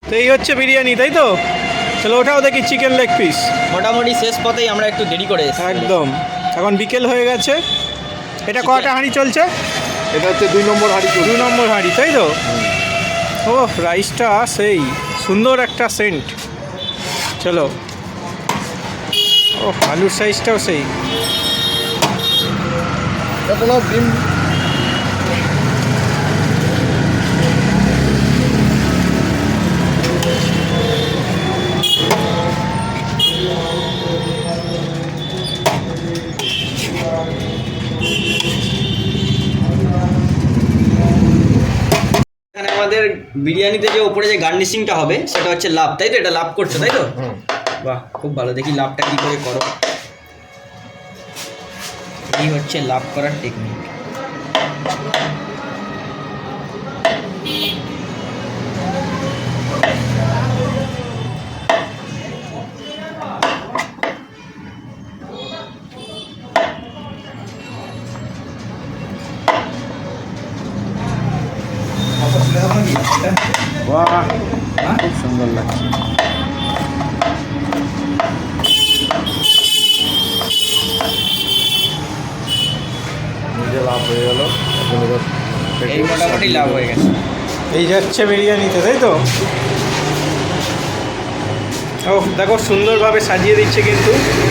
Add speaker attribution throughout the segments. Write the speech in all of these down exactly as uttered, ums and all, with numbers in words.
Speaker 1: তো এই হচ্ছে বিরিয়ানি, তাই তো? চলো ওটাও দেখি চিকেন লেগ পিস।
Speaker 2: মোটামুটি শেষ পথেই আমরা একটু দেরি করে এসেছি।
Speaker 1: একদম, এখন বিকেল হয়ে গেছে। এটা কটা হাঁড়ি চলছে?
Speaker 3: এটা হচ্ছে দুই নম্বর হাঁড়ি।
Speaker 1: দু নম্বর হাঁড়ি, তাই তো? ও রাইসটা সেই সুন্দর একটা সেন্ট। চলো, ও আলুর সাইজটাও সেই।
Speaker 3: এখন ডিম
Speaker 2: এখানে আমাদের বিরিয়ানিতে যে উপরে যে গার্নিশিংটা হবে সেটা হচ্ছে লাভ, তাই তো? এটা লাভ করছো, তাই তো? বাহ, খুব ভালো। দেখি লাভটা কি করে করো। এই হচ্ছে লাভ করার টেকনিক।
Speaker 1: বাহ, খুব সুন্দর লাগছে।
Speaker 3: নিজে লাভ হয়ে গেল।
Speaker 2: এই মোটামুটি লাভ হয়ে গেছে।
Speaker 1: এই যাচ্ছে বিরিয়ানিতে, তাই তো? ও দেখো সুন্দরভাবে সাজিয়ে দিচ্ছে কিন্তু।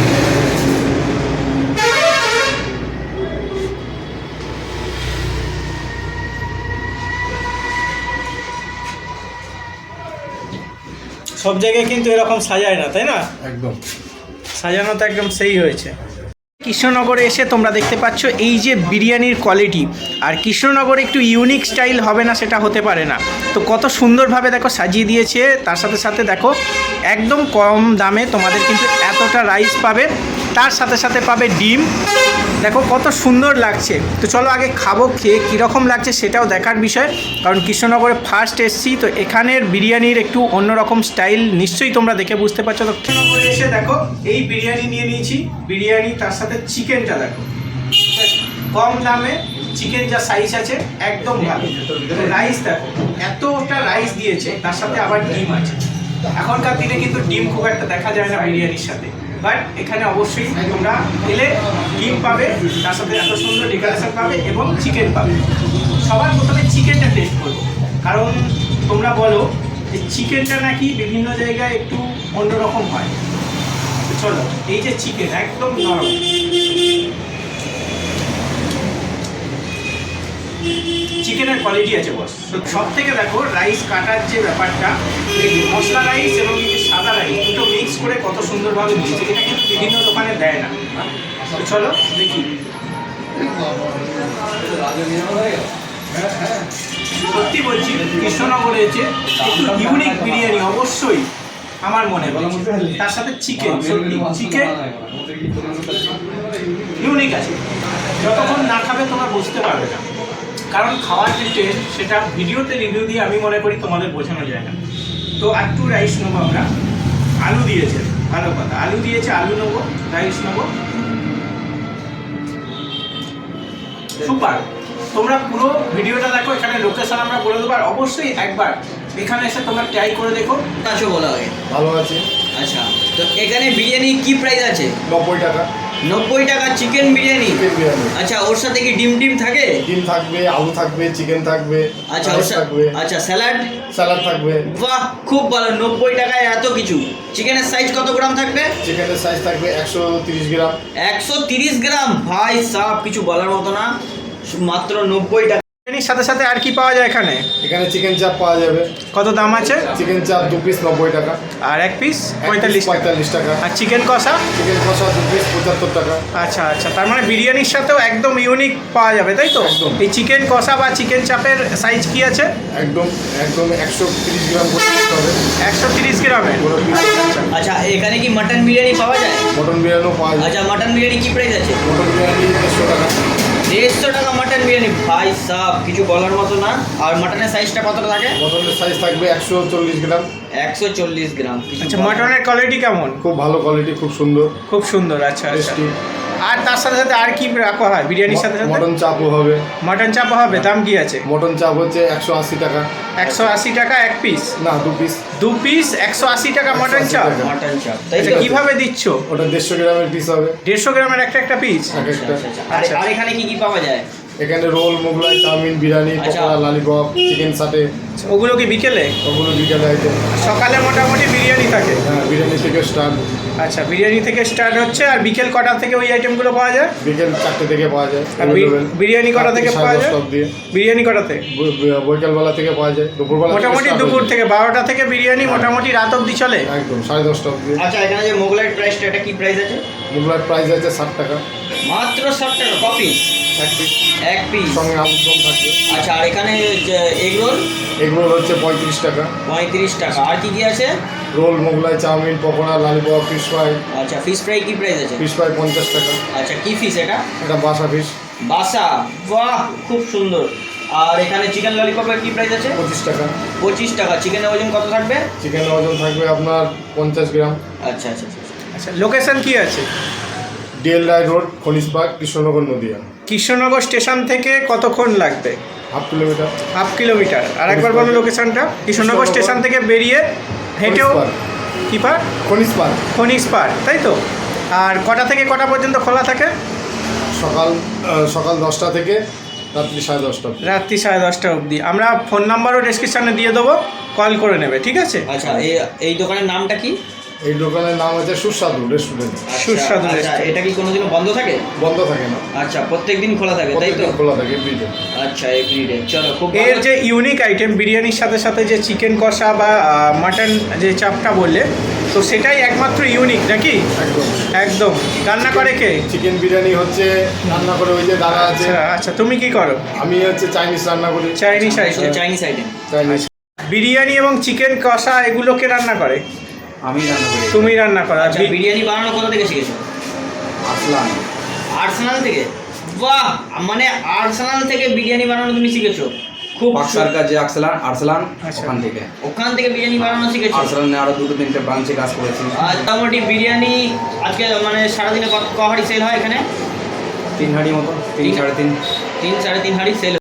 Speaker 1: সব জায়গায় কিন্তু এরকম সাজায় না, তাই না?
Speaker 3: একদম
Speaker 1: সাজানো তো একদম সেই হয়েছে। কৃষ্ণনগরে এসে তোমরা দেখতে পাচ্ছ এই যে বিরিয়ানির কোয়ালিটি। আর কৃষ্ণনগরে একটু ইউনিক স্টাইল হবে না সেটা হতে পারে না। তো কত সুন্দরভাবে দেখো সাজিয়ে দিয়েছে। তার সাথে সাথে দেখো একদম কম দামে তোমাদের কিন্তু এতটা রাইস পাবে, তার সাথে সাথে পাবে ডিম। দেখো কত সুন্দর লাগছে। তো চলো আগে খাবো, খেয়ে কীরকম লাগছে সেটাও দেখার বিষয়। কারণ কৃষ্ণনগরে ফার্স্ট এসছি, তো এখানের বিরিয়ানির একটু অন্যরকম স্টাইল নিশ্চয়ই তোমরা দেখে বুঝতে পারছো। তো কৃষ্ণনগরে এসে দেখো এই বিরিয়ানি নিয়ে নিয়েছি। বিরিয়ানি তার সাথে চিকেনটা দেখো, কম দামে চিকেন যা সাইজ আছে একদম ভালো। রাইস দেখো এতটা রাইস দিয়েছে, তার সাথে আবার ডিম আছে। এখনকার দিনে কিন্তু ডিম খুব একটা দেখা যায় না বিরিয়ানির সাথে, বাট এখানে অবশ্যই তোমরা এলে ডিম পাবে, তার সাথে এত সুন্দর ডেকোরেশন পাবে এবং চিকেন পাবে। সবার প্রথমে চিকেনটা টেস্ট করবো, কারণ তোমরা বলো যে চিকেনটা নাকি বিভিন্ন জায়গায় একটু অন্যরকম হয়। চলো, এই যে চিকেন একদম নরম, চিকেনের কোয়ালিটি আছে বস। তো সব থেকে দেখো রাইস কাটার যে ব্যাপারটা, মশলা রাইস এবং এই যে সাদা রাইস দুটো মিক্স করে কত সুন্দরভাবে দিয়েছে। এটা কিন্তু বিভিন্ন দোকানে দেয় না। তো চলো দেখি। সত্যি বলছি, কৃষ্ণনগরে এসে একটু ইউনিক বিরিয়ানি অবশ্যই আমার মনে হয়। তার সাথে চিকেন, সত্যি চিকেন ইউনিক আছে। যতক্ষণ না খাবে তোমরা বুঝতে পারবে না, কারণ খাওয়ার যে টেস্ট সেটা ভিডিওতে রিভিউ দিয়ে আমি মনে করি তোমাদের বোঝানো যায় না। তো একটু রাইস নেবো আমরা। আলু দিয়েছে, ভালো কথা, আলু দিয়েছে, আলু নেবো, রাইস নেবো। সুপার। তোমরা পুরো ভিডিওটা দেখো, এখানে লোকেশন আমরা বলে দেবো। আর অবশ্যই একবার এখানে এসে তোমরা ট্রাই করে দেখো।
Speaker 2: আছো বলা হয়
Speaker 3: ভালো আছে।
Speaker 2: আচ্ছা, তো এখানে বিরিয়ানি কি প্রাইস আছে?
Speaker 3: নব্বই টাকা।
Speaker 2: নব্বই টাকা চিকেন বিরিয়ানি।
Speaker 3: চিকেন বিরিয়ানি।
Speaker 2: আচ্ছা, ওর সাথে কি ডিম ডিম থাকে?
Speaker 3: ডিম থাকবে, আলু থাকবে, চিকেন থাকবে,
Speaker 2: আচ্ছা, ওর
Speaker 3: রাইস
Speaker 2: সাথে
Speaker 3: থাকবে,
Speaker 2: আচ্ছা স্যালাড
Speaker 3: স্যালাড থাকবে।
Speaker 2: বাহ, খুব ভালো। নব্বই টাকায় এত কিছু। চিকেনের সাইজ কত গ্রাম থাকবে?
Speaker 3: চিকেনের সাইজ থাকবে একশো তিরিশ গ্রাম।
Speaker 2: একশো তিরিশ গ্রাম, ভাই সাহ, কিছু বলার মতো না। মাত্র নব্বই টাকা।
Speaker 1: বিরিয়ানির সাথে সাথে আর কি পাওয়া যায় এখানে?
Speaker 3: এখানে চিকেন চাপ পাওয়া যাবে।
Speaker 1: কত দাম আছে?
Speaker 3: চিকেন চাপ দু পিস নব্বই টাকা,
Speaker 1: আর এক পিস
Speaker 3: এক পিস
Speaker 1: পঁয়তাল্লিশ টাকা।
Speaker 3: পঁয়তাল্লিশ টাকা।
Speaker 1: আর চিকেন কষা?
Speaker 3: চিকেন কষা দু পিস পঁচাত্তর টাকা।
Speaker 1: আচ্ছা আচ্ছা, তার মানে বিরিয়ানির সাথেও একদম ইউনিক পাওয়া যাবে, তাই তো?
Speaker 3: একদম।
Speaker 1: এই চিকেন কষা বা চিকেন চাপের সাইজ কি আছে?
Speaker 3: একদম একদম একশো তিরিশ গ্রাম করে দিতে হবে।
Speaker 1: একশো তিরিশ গ্রামের।
Speaker 3: পুরো piece।
Speaker 2: আচ্ছা, এখানে কি মাটন বিরিয়ানি পাওয়া যায়?
Speaker 3: মটন বিরিয়ানিও পাওয়া যায়।
Speaker 2: আচ্ছা, মাটন বিরিয়ানি কি প্রাইস আছে?
Speaker 3: মটন বিরিয়ানি দেড়শো টাকা।
Speaker 2: দেড়শো টাকা মাটন বিরিয়ানি, ভাই সাহ, কিছু বলার মতো না। আর মাটনের সাইজটা কতটা থাকে?
Speaker 3: মটনের সাইজ থাকবে একশো চল্লিশ গ্রাম।
Speaker 2: একশো চল্লিশ গ্রাম।
Speaker 1: আচ্ছা, মটনের কোয়ালিটি কেমন?
Speaker 3: খুব ভালো কোয়ালিটি, খুব সুন্দর,
Speaker 1: খুব সুন্দর। আচ্ছা আচ্ছা।
Speaker 3: টেস্টি।
Speaker 1: আর তার সাথে সাথে আর কি রাখা হয় বিরিয়ানির সাথে সাথে?
Speaker 3: মটন চাপও হবে।
Speaker 1: মাটন চাপও হবে, দাম কি আছে?
Speaker 3: মটন চাপ হচ্ছে একশো আশি টাকা।
Speaker 1: একশো আশি টাকা এক পিস?
Speaker 3: না, দু পিস।
Speaker 1: দু পিস একশো আশি টাকা মটন
Speaker 3: একশো আশি
Speaker 1: চাপ?
Speaker 3: টাকা।
Speaker 2: মাটন চাপ, তাই
Speaker 1: আচ্ছা
Speaker 2: তো?
Speaker 1: কিভাবে দিচ্ছ?
Speaker 3: ওটা দেড়শো গ্রামের পিস হবে।
Speaker 1: দেড়শো গ্রামের একটা একটা পিস?
Speaker 3: এক
Speaker 2: আচ্ছা,
Speaker 3: একটা।
Speaker 2: আচ্ছা, আচ্ছা। আর- আর এখানে কি কি পাওয়া যায়?
Speaker 3: এখানে রোল, মোগলাই, চাউমিন, বিরিয়ানি,
Speaker 2: আচ্ছা।
Speaker 3: পকোড়া, লালিপপ, চিকেন সাটে,
Speaker 1: ওগুলো কি বিকেলে?
Speaker 3: ওগুলো বিকেলে আইটেম।
Speaker 1: সকালে মোটামুটি বিরিয়ানি থাকে?
Speaker 3: হ্যাঁ, বিরিয়ানি থেকে স্টার্ট।
Speaker 1: আচ্ছা, বিরিয়ানি থেকে স্টার্ট হচ্ছে। আর বিকেল কটা থেকে ওই আইটেমগুলো পাওয়া যায়?
Speaker 3: বিকেল চারটে থেকে পাওয়া যায়।
Speaker 1: আর বি-
Speaker 3: available।
Speaker 1: বিরিয়ানি কটা থেকে
Speaker 3: সাড়ে
Speaker 1: পাওয়া যায়?
Speaker 3: দশটা অবধি।
Speaker 1: বিরিয়ানি কটাতে?
Speaker 3: ব- ব- বৈকালবেলা থেকে পাওয়া যায়, দুপুরবেলা থেকে
Speaker 1: মোটামুটি
Speaker 3: start
Speaker 1: দুপুর
Speaker 3: হয়ে যায়।
Speaker 1: থেকে বারোটা থেকে বিরিয়ানি মোটামুটি রাত অবধি চলে?
Speaker 3: একদম সাড়ে দশটা অবধি।
Speaker 2: আচ্ছা, এখানে যে মোগলাই প্রাইসটা, এটা কি প্রাইস আছে?
Speaker 3: মোগলার প্রাইস আছে ষাট টাকা
Speaker 2: মাত্র ষাট টাকা কপি
Speaker 3: এক পিস,
Speaker 2: এক পিস।
Speaker 3: সঙ্গে আলুর দম থাকবে।
Speaker 2: আচ্ছা, আর এখানে এগ রোল
Speaker 3: এগুলো হচ্ছে পঁয়ত্রিশ টাকা।
Speaker 2: পঁয়ত্রিশ টাকা। আর কি কি আছে?
Speaker 3: Roll, Mughlai, chowmein, pakora, lollipop, fish fry.
Speaker 2: আচ্ছা, ফিশ ফ্রাই কি প্রাইস আছে?
Speaker 3: ফিশ ফ্রাই পঞ্চাশ টাকা।
Speaker 2: আচ্ছা, কি ফিশ এটা?
Speaker 3: এটা বাসা ফিশ
Speaker 2: বাসা, বাহ খুব সুন্দর। আর এখানে চিকেন ললিপপের কি প্রাইস আছে?
Speaker 3: পঁচিশ টাকা।
Speaker 2: পঁচিশ টাকা। চিকেনের ওজন কত থাকবে?
Speaker 3: চিকেনের ওজন থাকবে আপনার পঞ্চাশ গ্রাম।
Speaker 2: আচ্ছা আচ্ছা আচ্ছা।
Speaker 1: আচ্ছা, লোকেশন কি আছে?
Speaker 3: DL Roy road, Khanij park, Krishnanagar, Nadia.
Speaker 1: Krishnanagar station থেকে কতক্ষণ লাগবে?
Speaker 3: Half kilometre.
Speaker 1: Half kilometre. আর একবার বলো লোকেশনটা। কৃষ্ণনগর স্টেশন থেকে বেরিয়ে হেঁটেও
Speaker 3: খনিজ পার্ক।
Speaker 1: কি পার্ক?
Speaker 3: খনিজ পার্ক।
Speaker 1: খনিজ পার্ক, তাই তো? আর কটা থেকে কটা পর্যন্ত খোলা থাকে?
Speaker 3: সকাল আহ, সকাল দশটা থেকে রাত্রি সাড়ে দশটা অবধি।
Speaker 1: রাত্রি সাড়ে দশটা অবধি। আমরা ফোন নাম্বারও ডেসক্রিপশানে দিয়ে দেবো, কল করে নেবে, ঠিক আছে?
Speaker 2: আচ্ছা, এই এই দোকানের নামটা কি?
Speaker 3: এই দোকানের নাম হচ্ছে সুস্বাদু রেস্টুরেন্ট।
Speaker 2: আচ্ছা,
Speaker 1: সুস্বাদু
Speaker 2: আচ্ছা,
Speaker 1: restaurant।
Speaker 2: এটা কি কোনোদিনও বন্ধ থাকে?
Speaker 3: বন্ধ থাকে না,
Speaker 2: আচ্ছা, প্রত্যেকদিন খোলা থাকে, তাই তো?
Speaker 3: প্রত্যেকদিন খোলা থাকে এভরিডে।
Speaker 2: আচ্ছা, এভরিডে। চলো, খুব
Speaker 1: এর
Speaker 2: ভালো।
Speaker 1: যে ইউনিক আইটেম বিরিয়ানির সাথে সাথে যে চিকেন কষা বা মাটন যে চাপটা বললে, তো সেটাই একমাত্র ইউনিক নাকি?
Speaker 3: একদম।
Speaker 1: একদম। রান্না করে কে?
Speaker 3: চিকেন বিরিয়ানি হচ্ছে রান্না করে ওই যে দাদা আছে।
Speaker 1: আচ্ছা আচ্ছা, তুমি কি করো?
Speaker 3: আমি হচ্ছে চাইনিজ রান্না করি।
Speaker 1: চাইনিজ
Speaker 2: এটা
Speaker 1: item.
Speaker 2: Chinese item.
Speaker 3: Chinese.
Speaker 1: Biryani এবং চিকেন কষা এগুলোকে রান্না করে?
Speaker 4: আমি রান্না করি।
Speaker 1: তুমি রান্না করো? আর
Speaker 2: আচ্ছা,
Speaker 1: বি-
Speaker 2: বিরিয়ানি বানানো কোথা থেকে শিখেছো?
Speaker 4: আসলাম।
Speaker 2: আর্সেনাল থেকে? বাহ, মানে আর্সেনাল থেকে বিরিয়ানি বানানো তুমি শিখেছো? খুব
Speaker 4: বাক্সার কাছে আর্সেলান আর্সেলান
Speaker 1: আচ্ছা।
Speaker 4: ওখান থেকে।
Speaker 2: ওখান থেকে বিরিয়ানি বানানো শিখেছো?
Speaker 4: আর্সেলানে আরো দুটো তিনটে ব্রাঞ্চে কাজ করেছি।
Speaker 2: আর মোটামুটি বিরিয়ানি আজকে মানে সারাদিনে কত ক হাঁড়ি সেল হয় এখানে?
Speaker 4: তিন হাঁড়ি মতো, তিন সাড়ে তিন।
Speaker 2: তিন সাড়ে তিন হাঁড়ি সেল